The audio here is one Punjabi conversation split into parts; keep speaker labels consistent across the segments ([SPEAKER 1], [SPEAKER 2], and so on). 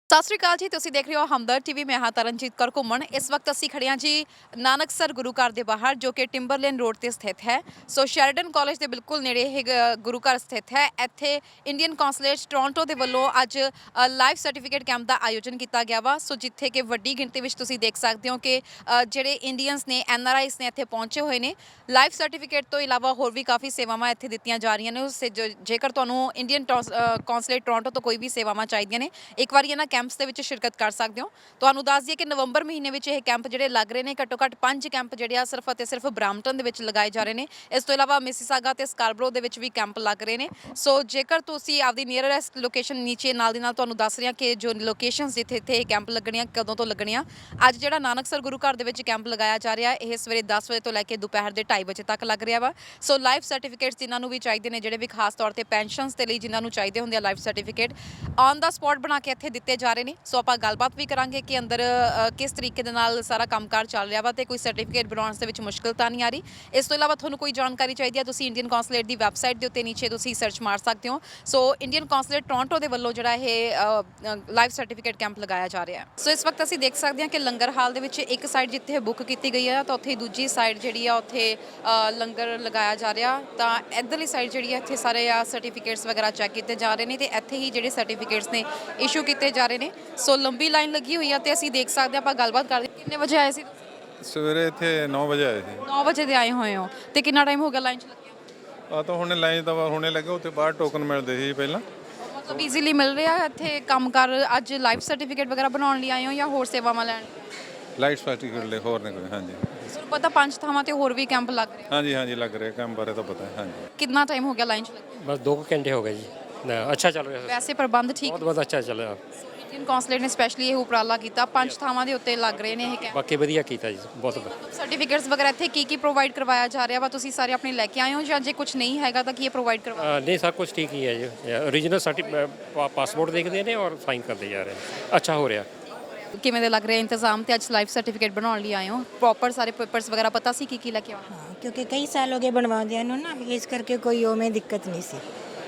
[SPEAKER 1] ਸਤਿ ਸ਼੍ਰੀ ਅਕਾਲ ਜੀ। ਤੁਸੀਂ ਦੇਖ ਰਹੇ ਹੋ ਹਮਦਰਦ ਟੀਵੀ। ਮੈਂ ਹਾਂ ਤਰਨਜੀਤ ਕੌਰ ਘੁੰਮਣ। ਇਸ ਵਕਤ ਅਸੀਂ ਖੜੇ ਹਾਂ ਜੀ ਨਾਨਕਸਰ ਗੁਰੂ ਘਰ ਦੇ ਬਾਹਰ, ਜੋ ਕਿ ਟਿੰਬਰਲੇਨ ਰੋਡ ਤੇ ਸਥਿਤ ਹੈ। ਸੋ ਸ਼ੈਰਡਨ ਕਾਲਜ ਦੇ ਬਿਲਕੁਲ ਨੇੜੇ ਇਹ ਗੁਰੂ ਘਰ ਸਥਿਤ ਹੈ। ਇੱਥੇ ਇੰਡੀਅਨ ਕੌਂਸਲੇਟ ਟੋਰਾਂਟੋ ਦੇ ਵੱਲੋਂ ਅੱਜ ਲਾਈਫ ਸਰਟੀਫਿਕੇਟ ਕੈਂਪ ਦਾ ਆਯੋਜਨ ਕੀਤਾ ਗਿਆ ਵਾ। ਸੋ ਜਿੱਥੇ ਕਿ ਵੱਡੀ ਗਿਣਤੀ ਵਿੱਚ ਤੁਸੀਂ ਦੇਖ ਸਕਦੇ ਹੋ ਕਿ ਜਿਹੜੇ ਇੰਡੀਅਨਸ ਨੇ, NRIs ਨੇ, ਇੱਥੇ ਪਹੁੰਚੇ ਹੋਏ ਨੇ। ਲਾਈਫ ਸਰਟੀਫਿਕੇਟ ਤੋਂ ਇਲਾਵਾ ਹੋਰ ਵੀ ਕਾਫੀ ਸੇਵਾਵਾਂ ਇੱਥੇ ਦਿੱਤੀਆਂ ਜਾ ਰਹੀਆਂ ਨੇ। ਜੇਕਰ ਤੁਹਾਨੂੰ ਇੰਡੀਅਨ ਕੌਂਸਲੇਟ ਟੋਰਾਂਟੋ ਤੋਂ ਕੋਈ ਵੀ ਸੇਵਾਵਾਂ ਚਾਹੀਦੀਆਂ ਨੇ, ਇੱਕ ਵਾਰੀ ਇਹਨਾਂ ਕੈਂਪਸ ਦੇ ਵਿੱਚ ਸ਼ਿਰਕਤ ਕਰ ਸਕਦੇ ਹੋ। ਤੁਹਾਨੂੰ ਦੱਸ ਦਈਏ ਕਿ ਨਵੰਬਰ ਮਹੀਨੇ ਵਿੱਚ ਇਹ ਕੈਂਪ ਜਿਹੜੇ ਲੱਗ ਰਹੇ ਨੇ, ਘੱਟੋ ਘੱਟ 5 ਕੈਂਪ ਜਿਹੜੇ ਆ ਸਿਰਫ ਅਤੇ ਸਿਰਫ ਬ੍ਰਾਂਪਟਨ ਦੇ ਵਿੱਚ ਲਗਾਏ ਜਾ ਰਹੇ ਨੇ। ਇਸ ਤੋਂ ਇਲਾਵਾ ਮਿਸੀਸਾਗਾ ਤੇ ਸਕਾਰਬਰੋ ਦੇ ਵਿੱਚ ਵੀ ਕੈਂਪ ਲੱਗ ਰਹੇ ਨੇ। ਸੋ ਜੇਕਰ ਤੁਸੀਂ ਆਪਦੀ ਨੀਅਰੈਸਟ ਲੋਕੇਸ਼ਨ ਨੀਚੇ ਨਾਲ ਦੀ ਨਾਲ ਤੁਹਾਨੂੰ ਦੱਸ ਰਿਹਾ ਕਿ ਜੋ ਲੋਕੇਸ਼ਨਸ ਜਿੱਥੇ ਇੱਥੇ ਇਹ ਕੈਂਪ ਲੱਗਣੀਆਂ, ਕਦੋਂ ਤੋਂ ਲੱਗਣੀਆਂ। ਅੱਜ ਜਿਹੜਾ ਨਾਨਕਸਰ ਗੁਰੂ ਘਰ ਦੇ ਵਿੱਚ ਕੈਂਪ ਲਗਾਇਆ ਜਾ ਰਿਹਾ, ਇਹ ਸਵੇਰੇ 10 ਵਜੇ ਤੋਂ ਲੈ ਕੇ ਦੁਪਹਿਰ ਦੇ 2:30 ਵਜੇ ਤੱਕ ਲੱਗ ਰਿਹਾ ਵਾ। ਸੋ ਲਾਈਫ ਸਰਟੀਫਿਕੇਟਸ ਜਿਨ੍ਹਾਂ ਨੂੰ ਵੀ ਚਾਹੀਦੇ ਨੇ, ਜਿਹੜੇ ਵੀ ਖਾਸ ਤੌਰ ਤੇ ਪੈਨਸ਼ਨਸ ਦੇ ਲਈ ਜਿਨ੍ਹਾਂ ਨੂੰ ਚਾਹੀਦੇ ਹੁੰਦੇ ਆ life certificate, on the spot ਬਣਾ ਕੇ ਇੱਥੇ ਦਿੱਤੇ ਜਾ ਰਹੇ ਨੇ। ਸੋ ਆਪਾਂ ਗੱਲਬਾਤ ਵੀ ਕਰਾਂਗੇ ਕਿ ਅੰਦਰ ਕਿਸ ਤਰੀਕੇ ਦੇ ਨਾਲ ਸਾਰਾ ਕੰਮਕਾਰ ਚੱਲ ਰਿਹਾ ਵਾ ਤੇ ਕੋਈ ਸਰਟੀਫਿਕੇਟ ਬਣਾਉਣ ਦੇ ਵਿੱਚ ਮੁਸ਼ਕਲ ਤਾਂ ਨਹੀਂ ਆ ਰਹੀ। ਇਸ ਤੋਂ ਇਲਾਵਾ ਤੁਹਾਨੂੰ ਕੋਈ ਜਾਣਕਾਰੀ ਚਾਹੀਦੀ ਹੈ, ਤੁਸੀਂ ਇੰਡੀਅਨ ਕੌਂਸਲੇਟ ਦੀ ਵੈਬਸਾਈਟ ਦੇ ਉੱਤੇ ਨੀਚੇ ਤੁਸੀਂ ਸਰਚ ਮਾਰ ਸਕਦੇ ਹੋ। ਸੋ ਇੰਡੀਅਨ ਕੌਂਸਲੇਟ ਟੋਰਾਂਟੋ ਦੇ ਵੱਲੋਂ ਜਿਹੜਾ ਇਹ ਲਾਈਫ ਸਰਟੀਫਿਕੇਟ ਕੈਂਪ ਲਗਾਇਆ ਜਾ ਰਿਹਾ ਹੈ। ਸੋ ਇਸ ਵਕਤ ਅਸੀਂ ਦੇਖ ਸਕਦੇ ਹਾਂ ਕਿ ਲੰਗਰ ਹਾਲ ਦੇ ਵਿੱਚ ਇੱਕ ਸਾਈਡ ਜਿੱਥੇ ਬੁੱਕ ਕੀਤੀ ਗਈ ਹੈ, ਤਾਂ ਉੱਥੇ ਦੂਜੀ ਸਾਈਡ ਜਿਹੜੀ ਆ ਉੱਥੇ ਲੰਗਰ ਲਗਾਇਆ ਜਾ ਰਿਹਾ। ਤਾਂ ਇੱਧਰਲੀ ਸਾਈਡ ਜਿਹੜੀ ਹੈ ਇੱਥੇ ਸਾਰੇ ਆ ਸਰਟੀਫਿਕੇਟਸ ਵਗੈਰਾ ਚੈੱਕ ਕੀਤੇ ਜਾ ਰਹੇ ਨੇ ਤੇ ਇੱਥੇ ਹੀ ਜਿਹੜੇ ਸਰਟੀਫਿਕੇਟਸ ਨੇ ਇਸ਼ੂ ਕੀਤੇ ਜਾ ਰਹੇ ਨੇ। ਸੋ ਲੰਬੀ ਲਾਈਨ ਲੱਗੀ ਹੋਈ ਆ ਤੇ ਅਸੀਂ ਦੇਖ ਸਕਦੇ ਆਪਾਂ ਗੱਲਬਾਤ ਕਰਦੇ। ਕਿੰਨੇ ਵਜੇ ਆਏ ਸੀ?
[SPEAKER 2] ਸਵੇਰੇ ਇੱਥੇ 9 ਵਜੇ ਆਏ ਸੀ।
[SPEAKER 1] 9 ਵਜੇ ਦੇ ਆਏ ਹੋਏ ਹੋ ਤੇ ਕਿੰਨਾ ਟਾਈਮ ਹੋ ਗਿਆ ਲਾਈਨ 'ਚ ਲੱਗਿਆ?
[SPEAKER 2] ਆ ਤਾਂ ਹੁਣੇ ਲਾਈਨ ਤਾਂ ਹੁਣੇ ਲੱਗੇ, ਉੱਥੇ ਬਾਹਰ ਟੋਕਨ ਮਿਲਦੇ ਸੀ ਪਹਿਲਾਂ।
[SPEAKER 1] ਮਤਲਬ ਈਜ਼ੀਲੀ ਮਿਲ ਰਿਹਾ ਇੱਥੇ ਕੰਮ ਕਰ? ਅੱਜ ਲਾਈਫ ਸਰਟੀਫਿਕੇਟ ਵਗੈਰਾ ਬਣਾਉਣ ਲਈ ਆਏ ਹੋ ਜਾਂ ਹੋਰ ਸੇਵਾਵਾਂ ਲੈਣ?
[SPEAKER 2] ਲਾਈਟ ਸਰਟੀਫਿਕੇਟ ਲਈ ਹੋਰ ਨੇ ਕੋਈ? ਹਾਂਜੀ
[SPEAKER 1] ਸਰ ਪਤਾ 5 ਥਾਵਾਂ ਤੇ ਹੋਰ ਵੀ ਕੈਂਪ ਲੱਗ ਰਹੇ?
[SPEAKER 2] ਹਾਂਜੀ ਹਾਂਜੀ ਲੱਗ ਰਿਹਾ, ਕੰਮ ਬਾਰੇ ਤਾਂ ਪਤਾ ਹੈ। ਹਾਂਜੀ
[SPEAKER 1] ਕਿੰਨਾ ਟਾਈਮ ਹੋ ਗਿਆ ਲਾਈਨ 'ਚ ਲੱਗੇ?
[SPEAKER 3] बस 2 घंटे हो गए जी। अच्छा चल रहा है,
[SPEAKER 1] ਵੈਸੇ ਪ੍ਰਬੰਧ ਠੀਕ?
[SPEAKER 3] बहुत बहुत अच्छा चल रहा।
[SPEAKER 1] ਇੰਡੀਅਨ ਕੌਂਸਲੇਟ ਨੇ ਸਪੈਸ਼ਲੀ ਇਹ ਉਪਰਾਲਾ ਕੀਤਾ, 5 ਥਾਵਾਂ ਦੇ ਉੱਤੇ ਲੱਗ ਰਹੇ ਨੇ ਇਹ ਕੈਂਪ।
[SPEAKER 3] बाकी वधिया कीता जी, बहुत।
[SPEAKER 1] ਸਰਟੀਫਿਕੇਟਸ ਵਗੈਰਾ ਇੱਥੇ ਕੀ ਪ੍ਰੋਵਾਈਡ ਕਰਵਾਇਆ ਜਾ ਰਿਹਾ ਵਾ? ਤੁਸੀਂ ਸਾਰੇ ਆਪਣੇ ਲੈ ਕੇ ਆਏ ਹੋ ਜਾਂ ਜੇ ਕੁਝ ਨਹੀਂ ਹੈਗਾ ਤਾਂ ਕੀ ਇਹ ਪ੍ਰੋਵਾਈਡ ਕਰਵਾ?
[SPEAKER 3] नहीं सब कुछ ठीक ही है जी। ओरिजिनल पासपोर्ट देखते हैं और साइन करते जा रहे हैं। अच्छा हो रहा।
[SPEAKER 1] ਕਿਵੇਂ ਦੇ ਲੱਗ ਰਿਹਾ ਇੰਤਜ਼ਾਮ? ਤੇ ਅੱਜ ਲਾਈਫ ਸਰਟੀਫਿਕੇਟ ਬਣਾਉਣ ਲਈ ਆਏ ਹੋ, ਪ੍ਰੋਪਰ ਸਾਰੇ ਪੇਪਰਸ ਵਗੈਰਾ ਪਤਾ ਸੀ ਕੀ ਲੈ ਕੇ ਆਉਣਾ?
[SPEAKER 4] ਹਾਂ ਕਿਉਂਕਿ ਕਈ ਸਾਲ ਹੋ ਗਏ ਬਣਵਾਉਂਦਿਆਂ ਨੂੰ ਨਾ, ਇਸ ਕਰਕੇ ਕੋਈ ਉਵੇਂ ਦਿੱਕਤ ਨਹੀਂ ਸੀ।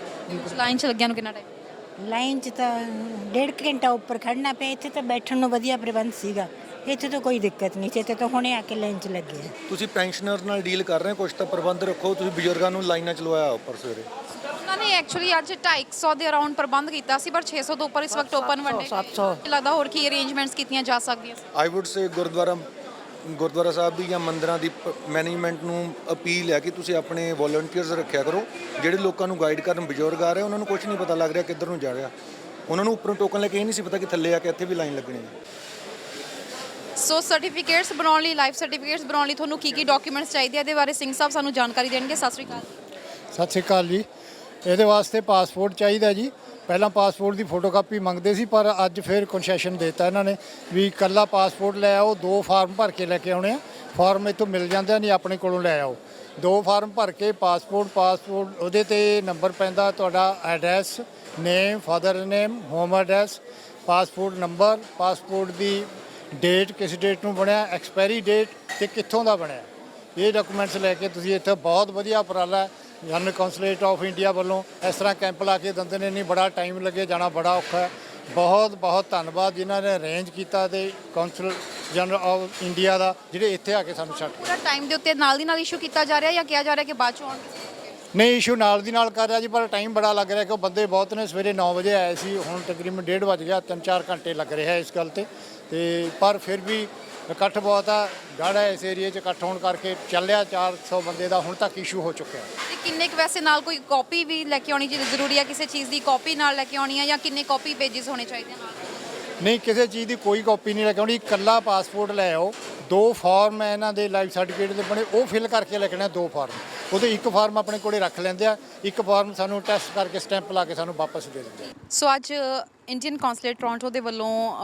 [SPEAKER 1] ਲਾਈਨ 'ਚ ਲੱਗਿਆ ਨੂੰ ਕਿੰਨਾ ਟਾਈਮ?
[SPEAKER 4] ਲਾਈਨ 'ਚ ਤਾਂ 1.5 ਘੰਟਾ ਉੱਪਰ ਖੜਨਾ ਪਿਆ। ਇੱਥੇ ਤਾਂ ਬੈਠਣ ਨੂੰ ਵਧੀਆ ਪ੍ਰਬੰਧ ਸੀਗਾ, ਇੱਥੇ ਤਾਂ ਕੋਈ ਦਿੱਕਤ ਨਹੀਂ ਸੀ। ਇੱਥੇ ਤਾਂ ਹੁਣੇ ਆ ਕੇ ਲਾਈਨ 'ਚ ਲੱਗੇ।
[SPEAKER 5] ਤੁਸੀਂ ਪੈਨਸ਼ਨਰ ਨਾਲ ਡੀਲ ਕਰ ਰਹੇ ਹੋ, ਕੁਝ ਤਾਂ ਪ੍ਰਬੰਧ ਰੱਖੋ। ਤੁਸੀਂ ਬਜ਼ੁਰਗਾਂ ਨੂੰ ਲਾਈਨਾਂ 'ਚ ਲਵਾਇਆ ਉੱਪਰ ਸਵੇਰੇ।
[SPEAKER 1] ਉਹਨਾਂ ਨੇ ਐਕਚੁਅਲੀ ਅੱਜ 250 ਦੇ ਅਰਾਊਂਡ ਪ੍ਰਬੰਧ ਕੀਤਾ ਸੀ, ਪਰ 600 ਤੋਂ ਉੱਪਰ ਇਸ ਵਕਤ ਓਪਨ ਵੰਡੇ।
[SPEAKER 4] 700
[SPEAKER 1] ਲੱਗਦਾ ਹੋਰ ਕੀ ਅਰੇਂਜਮੈਂਟਸ ਕੀਤੀਆਂ ਜਾ ਸਕਦੀਆਂ ਸੀ?
[SPEAKER 5] ਆਈ ਵੁੱਡ ਸੇ ਗੁਰਦੁਆਰਾ ਸਾਹਿਬ ਦੀ ਜਾਂ ਮੰਦਰਾਂ ਦੀ ਮੈਨੇਜਮੈਂਟ ਨੂੰ ਅਪੀਲ ਹੈ ਕਿ ਤੁਸੀਂ ਆਪਣੇ ਵੋਲੰਟੀਅਰਸ ਰੱਖਿਆ ਕਰੋ, ਜਿਹੜੇ ਲੋਕਾਂ ਨੂੰ ਗਾਈਡ ਕਰਨ। ਬਜ਼ੁਰਗ ਆ ਰਹੇ, ਉਹਨਾਂ ਨੂੰ ਕੁਝ ਨਹੀਂ ਪਤਾ ਲੱਗ ਰਿਹਾ ਕਿੱਧਰ ਨੂੰ ਜਾ ਰਿਹਾ। ਉਹਨਾਂ ਨੂੰ ਉੱਪਰੋਂ ਟੋਕਨ ਲੈ ਕੇ ਇਹ ਨਹੀਂ ਸੀ ਪਤਾ ਕਿ ਥੱਲੇ ਆ ਕੇ ਇੱਥੇ ਵੀ ਲਾਈਨ ਲੱਗਣੀ ਹੈ।
[SPEAKER 1] ਸੋ ਸਰਟੀਫਿਕੇਟਸ ਬਣਾਉਣ ਲਈ, ਲਾਈਫ ਸਰਟੀਫਿਕੇਟਸ ਬਣਾਉਣ ਲਈ ਤੁਹਾਨੂੰ ਕੀ ਡਾਕੂਮੈਂਟਸ ਚਾਹੀਦੇ ਆ? ਇਹਦੇ ਬਾਰੇ ਸਿੰਘ ਸਾਹਿਬ ਸਾਨੂੰ ਜਾਣਕਾਰੀ ਦੇਣਗੇ। ਸਤਿ ਸ਼੍ਰੀ ਅਕਾਲ।
[SPEAKER 6] ਸਤਿ ਸ਼੍ਰੀ ਅਕਾਲ ਜੀ। ਇਹਦੇ ਵਾਸਤੇ ਪਾਸਪੋਰਟ ਚਾਹੀਦਾ ਜੀ। ਪਹਿਲਾਂ ਪਾਸਪੋਰਟ ਦੀ ਫੋਟੋਕਾਪੀ ਮੰਗਦੇ ਸੀ, ਪਰ ਅੱਜ ਫਿਰ ਕੰਸੈਸ਼ਨ ਦਿੱਤਾ ਇਹਨਾਂ ਨੇ ਵੀ ਇਕੱਲਾ ਪਾਸਪੋਰਟ ਲੈ ਆਓ, 2 ਫਾਰਮ ਭਰ ਕੇ ਲੈ ਕੇ ਆਉਣੇ ਆ। ਫਾਰਮ ਇੱਥੋਂ ਮਿਲ ਜਾਂਦੇ ਨਹੀਂ, ਆਪਣੇ ਕੋਲੋਂ ਲੈ ਆਓ। 2 ਫਾਰਮ ਭਰ ਕੇ ਪਾਸਪੋਰਟ ਉਹਦੇ 'ਤੇ ਨੰਬਰ ਪੈਂਦਾ, ਤੁਹਾਡਾ address, name, father name, home address, passport number, passport ਦੀ ਡੇਟ, ਕਿਸ ਡੇਟ ਨੂੰ ਬਣਿਆ, ਐਕਸਪਾਇਰੀ ਡੇਟ ਅਤੇ ਕਿੱਥੋਂ ਦਾ ਬਣਿਆ। ਇਹ ਡਾਕੂਮੈਂਟਸ ਲੈ ਕੇ ਤੁਸੀਂ ਇੱਥੇ, ਬਹੁਤ ਵਧੀਆ ਉਪਰਾਲਾ ਜਨਰਲ ਕੌਂਸਲੇਟ ਆਫ ਇੰਡੀਆ ਵੱਲੋਂ ਇਸ ਤਰ੍ਹਾਂ ਕੈਂਪ ਲਾ ਕੇ ਦਿੰਦੇ ਨੇ। ਨਹੀਂ ਬੜਾ ਟਾਈਮ ਲੱਗੇ, ਜਾਣਾ ਬੜਾ ਔਖਾ ਹੈ। ਬਹੁਤ ਬਹੁਤ ਧੰਨਵਾਦ ਜਿਨ੍ਹਾਂ ਨੇ ਅਰੇਂਜ ਕੀਤਾ ਤੇ ਕੌਂਸਲ ਜਨਰਲ ਆਫ ਇੰਡੀਆ ਦਾ, ਜਿਹੜੇ ਇੱਥੇ ਆ ਕੇ ਸਾਨੂੰ ਛੱਡ।
[SPEAKER 1] ਪੂਰਾ ਟਾਈਮ ਦੇ ਉੱਤੇ ਨਾਲ ਦੀ ਨਾਲ ਇਸ਼ੂ ਕੀਤਾ ਜਾ ਰਿਹਾ ਜਾਂ ਕਿਹਾ ਜਾ ਰਿਹਾ ਕਿ ਬਾਅਦ ਚੋਂ ਆਉਣਗੇ?
[SPEAKER 6] ਨਹੀਂ, ਇਸ਼ੂ ਨਾਲ ਦੀ ਨਾਲ ਕਰ ਰਿਹਾ ਜੀ, ਪਰ ਟਾਈਮ ਬੜਾ ਲੱਗ ਰਿਹਾ ਕਿ ਬੰਦੇ ਬਹੁਤ ਨੇ। ਸਵੇਰੇ 9 ਵਜੇ ਆਏ ਸੀ, ਹੁਣ ਤਕਰੀਬਨ 1:30 ਵੱਜ ਗਿਆ। 3-4 ਘੰਟੇ ਲੱਗ ਰਿਹਾ ਇਸ ਗੱਲ ਤੇ ਪਰ ਫਿਰ ਵੀ ਇਕੱਠ ਬਹੁਤ ਆ। ਗਾੜਾ ਇਸ ਏਰੀਏ 'ਚ ਇਕੱਠ ਹੋਣ ਕਰਕੇ ਚੱਲਿਆ 400 ਬੰਦੇ ਦਾ ਹੁਣ ਤੱਕ ਇਸ਼ੂ ਹੋ ਚੁੱਕਿਆ।
[SPEAKER 1] ਤੇ ਕਿੰਨੇ ਕੁ ਵੈਸੇ ਨਾਲ ਕੋਈ ਕਾਪੀ ਵੀ ਲੈ ਕੇ ਆਉਣੀ ਜ਼ਰੂਰੀ ਹੈ? ਕਿਸੇ ਚੀਜ਼ ਦੀ ਕਾਪੀ ਨਾਲ ਲੈ ਕੇ ਆਉਣੀ ਹੈ ਜਾਂ ਕਿੰਨੇ ਕਾਪੀ ਪੇਜਸ ਹੋਣੇ ਚਾਹੀਦੇ ਨਾਲ?
[SPEAKER 6] ਨਹੀਂ, ਕਿਸੇ ਚੀਜ਼ ਦੀ ਕੋਈ ਕਾਪੀ ਨਹੀਂ ਲੈ ਕੇ ਆਉਣੀ, ਇਕੱਲਾ ਪਾਸਪੋਰਟ ਲੈ ਆਓ। 2 ਫਾਰਮ ਹੈ ਇਹਨਾਂ ਦੇ ਲਾਈਫ ਸਰਟੀਫਿਕੇਟ ਦੇ ਬਣੇ, ਉਹ ਫਿਲ ਕਰਕੇ ਲੈ ਕੇ ਆਉਣੇ। 2 ਫਾਰਮ, ਉਹਦੇ 1 ਫਾਰਮ ਆਪਣੇ ਕੋਲੇ ਰੱਖ ਲੈਂਦੇ ਆ, 1 ਫਾਰਮ ਸਾਨੂੰ ਟੈਸਟ ਕਰਕੇ ਸਟੈਂਪ ਲਾ ਕੇ ਸਾਨੂੰ ਵਾਪਸ ਦੇ ਦਿੰਦੇ ਆ।
[SPEAKER 1] ਸੋ ਅੱਜ ਇੰਡੀਅਨ ਕੌਂਸਲੇਟ ਟੋਰਾਂਟੋ ਦੇ ਵੱਲੋਂ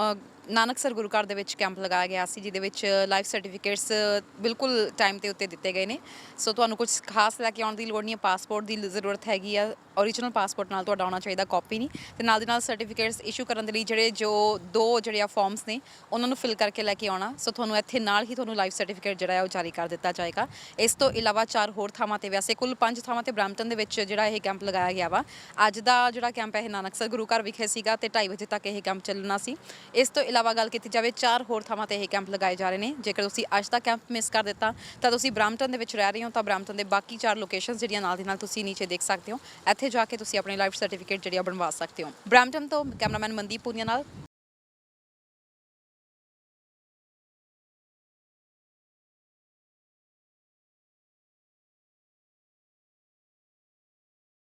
[SPEAKER 1] ਨਾਨਕਸਰ ਗੁਰੂ ਘਰ ਦੇ ਵਿੱਚ ਕੈਂਪ ਲਗਾਇਆ ਗਿਆ ਸੀ, ਜਿਹਦੇ ਵਿੱਚ ਲਾਈਫ ਸਰਟੀਫਿਕੇਟਸ ਬਿਲਕੁਲ ਟਾਈਮ ਤੇ ਉੱਤੇ ਦਿੱਤੇ ਗਏ ਨੇ। ਸੋ ਤੁਹਾਨੂੰ ਕੁਝ ਖਾਸ ਲੈ ਕੇ ਆਉਣ ਦੀ ਲੋੜ ਨਹੀਂ ਹੈ, ਪਾਸਪੋਰਟ ਦੀ ਜ਼ਰੂਰਤ ਹੈਗੀ ਆ, ਓਰੀਜਨਲ ਪਾਸਪੋਰਟ ਨਾਲ ਤੁਹਾਡਾ ਆਉਣਾ ਚਾਹੀਦਾ, ਕਾਪੀ ਨਹੀਂ, ਤੇ ਨਾਲ ਦੀ ਨਾਲ ਸਰਟੀਫਿਕੇਟਸ ਇਸ਼ੂ ਕਰਨ ਦੇ ਲਈ ਦੋ ਜਿਹੜੇ ਆ ਫਾਰਮਸ ਨੇ ਉਹਨਾਂ ਨੂੰ ਫਿਲ ਕਰਕੇ ਲੈ ਕੇ ਆਉਣਾ। ਸੋ ਤੁਹਾਨੂੰ ਇੱਥੇ ਨਾਲ ਹੀ ਤੁਹਾਨੂੰ ਲਾਈਫ ਸਰਟੀਫਿਕੇਟ ਜਿਹੜਾ ਹੈ ਉਹ ਜਾਰੀ ਕਰ ਦਿੱਤਾ ਜਾਏਗਾ। ਇਸ ਤੋਂ ਇਲਾਵਾ 4 ਹੋਰ ਥਾਵਾਂ ਤੇ, ਵੈਸੇ ਕੁੱਲ 5 ਥਾਵਾਂ ਤੇ ਬ੍ਰੈਂਪਟਨ ਦੇ ਵਿੱਚ ਜਿਹੜਾ ਇਹ ਕੈਂਪ ਲਗਾਇਆ ਗਿਆ ਵਾ। ਅੱਜ ਦਾ ਜਿਹੜਾ ਕੈਂਪ ਹੈ ਇਹ ਨਾਨਕਸਰ ਗੁਰੂ ਘਰ ਵਿਖੇ ਸੀਗਾ ਤੇ 2:30 ਵਜੇ ਤੱਕ ਇਹ ਕੈਂਪ ਚੱਲਣਾ ਸੀ। ਇਸ ਤੋਂ ਇਲਾਵਾ ਗੱਲ ਕੀਤੀ ਜਾਵੇ 4 ਹੋਰ ਥਾਵਾਂ ਤੇ ਇਹ ਕੈਂਪ ਲਗਾਏ ਜਾ ਰਹੇ ਨੇ। ਜੇਕਰ ਤੁਸੀਂ ਅੱਜ ਦਾ ਕੈਂਪ ਮਿਸ ਕਰ ਦਿੱਤਾ ਤਾਂ ਤੁਸੀਂ ਬ੍ਰੈਂਪਟਨ ਦੇ ਵਿੱਚ ਰਹਿ ਰਹੇ ਹੋ ਤਾਂ ਬ੍ਰੈਂਪਟਨ ਦੇ ਬਾਕੀ 4 ਲੋਕੇਸ਼ਨਸ ਜਿਹੜੀਆਂ ਨਾਲ ਦੀ ਨਾਲ ਤੁਸੀਂ ਨੀਚੇ ਦੇਖ ਸਕਦੇ ਹੋ। ਇੱਥੇ ਜਾ ਕੇ ਤੁਸੀਂ ਆਪਣੇ ਲਾਈਫ ਸਰਟੀਫਿਕੇਟ ਜਿਹੜੀ ਆ ਬਣਵਾ ਸਕਦੇ ਹੋ। ਬ੍ਰੈਂਪਟਨ ਤੋਂ ਕੈਮਰਾਮੈਨ ਮਨਦੀਪ ਪੂਨੀਆ ਨਾਲ